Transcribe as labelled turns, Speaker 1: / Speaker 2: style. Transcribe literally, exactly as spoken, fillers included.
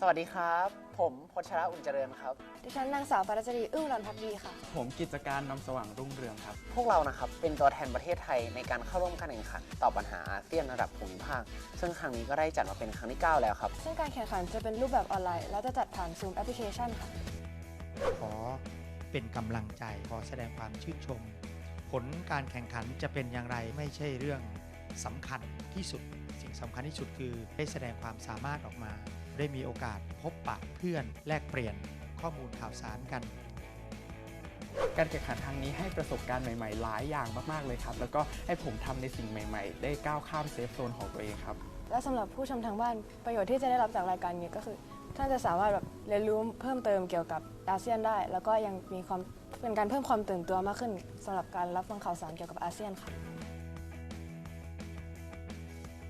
Speaker 1: สวัสดีครับผมพชรอุ่นเจริญครับ
Speaker 2: ดิฉันนางสาวปรัชรีอึ้งรอนพักดีค่ะ
Speaker 3: ผมกิจการนำสว่างรุ่งเรืองครับ
Speaker 1: พวกเรานะครับเป็นตัวแทนประเทศไทยในการเข้าร่วมการแข่งขันตอบปัญหาอาเซียนระดับภูมิภาคซึ่งครั้งนี้ก็ได้จัดมาเป็นครั้งที่เก้าแล้วครับ
Speaker 2: ซึ่งการแข่งขันจะเป็นรูปแบบออนไลน์และจะจัดผ่าน Zoom แอปพลิเคชันค่ะ
Speaker 4: ขอเป็นกำลังใจขอแสดงความชื่นชมผลการแข่งขันจะเป็นอย่างไรไม่ใช่เรื่องสำคัญที่สุดสิ่งสำคัญที่สุดคือได้แสดงความสามารถออกมาได้มีโอกาสพบปะเพื่อนแลกเปลี่ยนข้อมูลข่าวสารกัน
Speaker 3: การแข่งขันครั้งนี้ให้ประสบการณ์ใหม่ๆหลายอย่างมากๆเลยครับแล้วก็ให้ผมทำในสิ่งใหม่ๆได้ก้าวข้ามเซฟโซนของตัวเองครับ
Speaker 2: และสำหรับผู้ชมทางบ้านประโยชน์ที่จะได้รับจากรายการนี้ก็คือท่านจะสามารถแบบเรียนรู้เพิ่มเติมเกี่ยวกับอาเซียนได้แล้วก็ยังมีความเป็นการเพิ่มความตื่นตัวมากขึ้นสำหรับการรับฟังข่าวสารเกี่ยวกับอาเซียนค่ะ